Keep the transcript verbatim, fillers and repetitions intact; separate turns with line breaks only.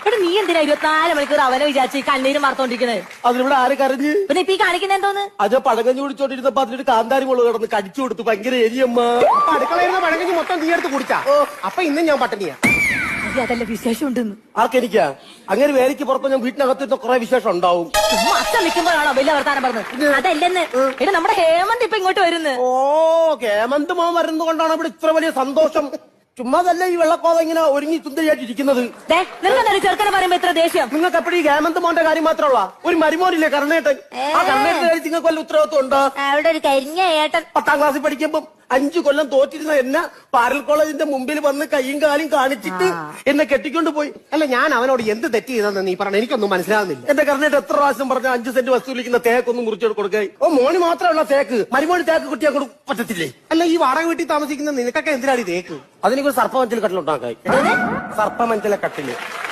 ഇവിടെ നീ എന്തിനാ ഇരുപത്തിനാല് മണിക്കൂർ അവനെ വിചാരിച്ച് കണ്ണീരും വാർത്തോണ്ടിരിക്കുന്നത്?
അതിലിവിടെ ആര് കരഞ്ഞ്?
പിന്നെ ഇപ്പൊ ഈ കാണിക്കുന്ന എന്തോന്ന്?
അത് പഴകഞ്ഞു കുടിച്ചോണ്ടിരുന്നപ്പോ അതിലൊരു കാന്താരി മുളക് കിടന്ന് കടിച്ചു കൊടുത്തു. ഭയങ്കര എരിയമ്മ.
അപ്പൊ അടുക്കളയിരുന്ന പഴകഞ്ഞി മൊത്തം നീ എടുത്ത് കുടിച്ചാ? അപ്പൊ ഇന്നും ഞാൻ പട്ടിണിയാ.
അതല്ല വിശേഷം ഉണ്ടെന്ന്.
ആർക്കെനിക്കാ? അങ്ങനെ വേലയ്ക്ക് പുറത്ത് ഞാൻ വീട്ടിനകത്തിരുന്ന കുറെ വിശേഷം ഉണ്ടാവും.
ചുമ്മാ അച്ഛൻ നിൽക്കുമ്പോഴാണോ വലിയ വർത്താനം പറഞ്ഞത്? അതല്ലെന്ന്. എടാ നമ്മുടെ ഹേമന്ത് ഇപ്പൊ ഇങ്ങോട്ട് വരുന്നു.
ഓ, ഹേമന്ത് മോൻ വരുന്നത് കൊണ്ടാണ് ഇവിടെ ഇത്ര വലിയ സന്തോഷം. ചുമ്മാതല്ല ഈ വെള്ളക്കോത ഇങ്ങനെ ഒരുങ്ങി സുന്ദരിയായിട്ട് ഇരിക്കുന്നത്.
നിങ്ങൾക്ക് ചെറുക്കനെ പറയുമ്പോ ഇത്ര ദേഷ്യം?
നിങ്ങൾക്ക് എപ്പോഴും ഈ ഹേമന്ത് മോന്റെ കാര്യം മാത്രമുള്ള ഒരു മരുമോനില്ലേ കർണേട്ടൻ? ആ കർണേട്ടൻ കാര്യം നിങ്ങൾക്ക് വല്ല ഉത്തരവാദിത്വം ഉണ്ടോ?
അവിടെ ഒരു കരിഞ്ഞ ഏട്ടൻ
പത്താം ക്ലാസ്സിൽ പഠിക്കുമ്പോ അഞ്ചു കൊല്ലം തോറ്റിരുന്ന എന്നെ പാരൽ കോളേജിന്റെ മുമ്പിൽ വന്ന് കൈയും കാലും കാണിച്ചിട്ട് എന്നെ കെട്ടിക്കൊണ്ട് പോയി.
അല്ല, ഞാൻ അവനോട് എന്ത് തെറ്റ് ചെയ്തെന്ന് നീ പറഞ്ഞ എനിക്കൊന്നും മനസ്സിലാവുന്നില്ല.
എന്റെ കർണേട്ട് എത്ര പ്രാവശ്യം പറഞ്ഞ അഞ്ചു സെന്റ് വസ്തു വിളിക്കുന്ന തേക്കൊന്നും മുറിച്ചോട് കൊടുക്കുക. ഓ, മോന് മാത്രമുള്ള തേക്ക്, മരുമോന് തേക്ക് കുട്ടിയെ കൊടു പറ്റത്തില്ലേ?
അല്ല, ഈ വാടക വീട്ടിൽ താമസിക്കുന്ന നിനക്കൊക്കെ എന്തിനാണ് ഈ തേക്ക്?
അതിനൊരു സർപ്പമഞ്ചൽ കട്ടിലുണ്ടാക്കായി. സർപ്പമഞ്ചല കട്ടില്